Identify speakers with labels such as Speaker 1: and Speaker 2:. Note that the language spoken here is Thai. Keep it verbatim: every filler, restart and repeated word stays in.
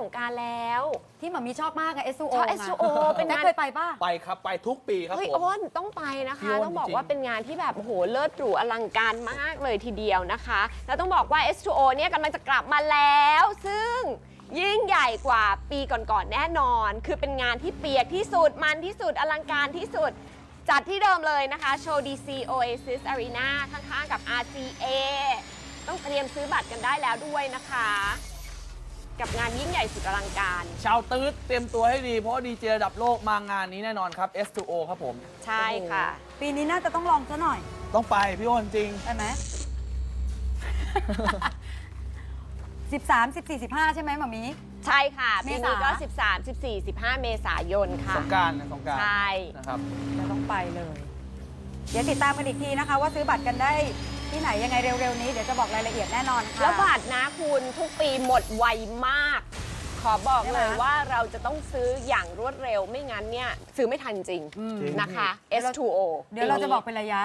Speaker 1: งกรานต์แล้ว
Speaker 2: ที่หมามีชอบมากอะ เอส ทู โอ
Speaker 1: ชอบ เอส ทู โอ เป็นงาน
Speaker 2: เคยไปป่ะ
Speaker 3: ไปครับไปทุกปีครับ
Speaker 1: เฮ้ย
Speaker 3: ผม
Speaker 1: อ้นต้องไปนะ
Speaker 3: พี่
Speaker 1: คะ
Speaker 3: อ้น
Speaker 1: ต้องบอก
Speaker 3: จริงๆ
Speaker 1: ว่าเป็นงานที่แบบโอ้โหเลิศหรูอลังการมากเลยทีเดียวนะคะแล้วต้องบอกว่า เอส ทู โอ เนี่ยกำลังจะกลับมาแล้ว ซึ่งยิ่งใหญ่กว่าปีก่อนๆแน่นอน คือเป็นงานที่เปียกที่สุดมันที่สุดอลังการที่สุดจัดที่เดิมเลยนะคะโชว์ ดี ซี Oasis Arena ข้างๆกับ อาร์ ซี เอ ต้องเตรียมซื้อบัตรกันได้แล้วด้วยนะคะ กับงานยิ่งใหญ่สุดอลังการ
Speaker 3: ชาวตื๊ดเตรียมตัวให้ดีเพราะว่าดีเจระดับโลกมางานนี้แน่นอนครับ เอส ทู โอ ครับผม
Speaker 1: ใช่ค่ะ
Speaker 2: ปีนี้น่าจะต้องลองซะหน่อย
Speaker 3: ต้องไปพี่อ้นจริง
Speaker 2: ได้ไหม สิบสาม สิบสี่ สิบห้าใช่ไหมหมามี
Speaker 1: ใช่ค่ะ
Speaker 2: เม
Speaker 1: ปี
Speaker 2: ษา
Speaker 1: นี้ก็ สิบสาม สิบสี่ สิบห้า เมษายนค่ะ
Speaker 3: สงกรานต์นะสงกรานต์
Speaker 1: ใช่
Speaker 3: นะครับ
Speaker 2: จะต้องไปเลย เดี๋ยวติดตามกันอีกทีนะคะ ว่าซื้อบัตรกันได้ที่ไหนยังไงเร็วๆนี้ เดี๋ยวจะบอกรายละเอียดแน่นอนค่ะ
Speaker 1: แล้วบัตรนะคุณทุกปีหมดไวมาก ขอบอก
Speaker 2: ใช่ไหม
Speaker 1: เลยว่าเราจะต้องซื้ออย่างรวดเร็วไม่งั้นเนี่ยซื้อไม่ทันจริง
Speaker 2: อืม
Speaker 1: นะคะ เอส ทู โอ
Speaker 2: เดี๋ยวเราจะบอกเป็นระยะ